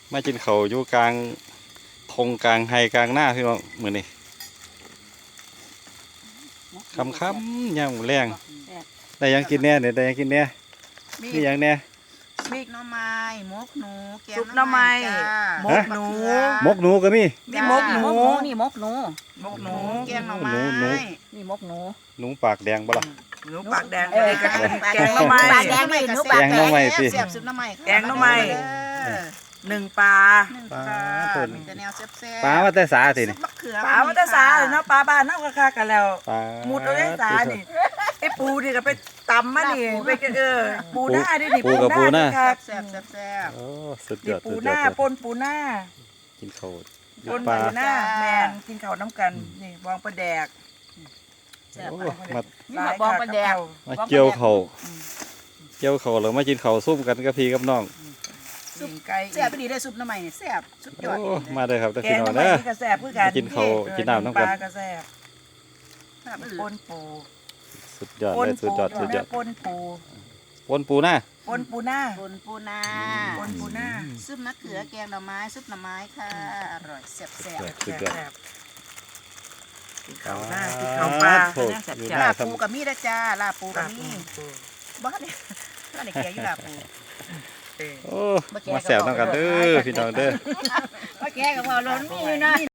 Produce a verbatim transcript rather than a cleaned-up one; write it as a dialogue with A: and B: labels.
A: มากินเขาวอยู่กลางทงกลางไฮกลางหน้าพี่น้องเหมือนนี่คำคำย่างหมูแรงได้ยังกินแน่เนี่ยได้ยังกินแน่นี่ยังแน่
B: มีหน่อไม้หมกหนูแกง
C: ซุปหน่อไม้หมกหนู
A: มกหนูก็มี
C: มีหมกหนู
D: นี่มกหนู
C: หมกหนู
B: แกงหน่อไม้
A: หนูหนู
D: นี่มกหนู
A: หนูปากแดงบ่ล่ะ
C: หนูปากแดง
D: เออ
C: แกงแกงหน่อไม้
D: ปากแดงนี่หนูปาก
A: แกงหน่อไม้สิ
B: เสียบซุปหน่อไม้
C: แกงหน่อไม้ หนึ่งปลา
B: หนึ่งปลามีแต่แนวแซ่บๆ
A: ปลาว่าแต่สาสิ
B: ซุ
A: นี่
B: ปมะเขือ
C: ปลาวัตสาเลยเนาะปลาบ้านเนาะก็ค่ากันแล้ว
A: ปลา
C: มุดเอาได้สานี่ไอ้ปูนี่ก็ไปตำมานี่ไปกันเออปูหน้าดินี่
A: ปูกับปูหน้า
C: ค่ะ
B: แซ่บๆแซ่บ
A: โอ้สุดย
C: นี่
A: อด
C: ปู
A: สุด
C: ห
A: ยอ
C: น้า
A: ด
C: ปนปูหน้า
A: กินเขาวอ
C: ป
A: ยู่
C: น
A: ปลา
C: ปูหน้าแมนกินข้าวน้ำกันนี่วางปลาแดก
B: ๆแซ่บ
A: โอ้
B: ไป
A: มา
D: นี่มาบองประแดก
A: มาเกี่ยวเขาวเกี่ยวเขาวแล้วมากินเขาวซุ่มกันกับพี่กับน้อง
C: ซุปไก่
B: แซ่บไปดีได้ซุปหน่อไม้เนี่ยแซ่บสุดยอด
A: โอ้มาเลยครับแต่
C: แก
A: พี่
C: ง
A: น้อง
C: น้ำ
A: เด้อ
C: มันก็แซ่บคือกัน
A: กินข้าวกินน้ำน้ำกัน
C: ปลาก็แซ่บ
B: แซ่บไป
C: ป
B: เลย
C: นปู
A: สุดยอด
C: ปน
A: เลยสุด
C: ปู
A: ยอดสุดยอด
C: ปนปู
A: ปนปูหน้า
C: ปนปูหน้า
B: บนปูนา
C: ปนปูหน้า
B: ซุปมะเขือแกงหน่อไม้ซุปหน่อไม้ค่ะอร่อยแซ่บ
A: สุด
B: ๆ
A: ยอดสุดยอด
C: แซ่บๆกินข้าวหน้ากินข้าวปลา
A: โถอยู่ห
B: ลา
A: น้า
B: ปู
A: ทำ
B: กับมีนะจ้าลาปูกับ
C: ปลา
B: มี
C: ปู
B: บ้านเนี่ยบ้านเนี่ยเกียอยู่ลาปู
C: เออ
A: โอ้มาแซวน้ำกันเด้อพี่น้องเด้อ
B: ว่าแกกับพ่อล้นมีอยู่นะ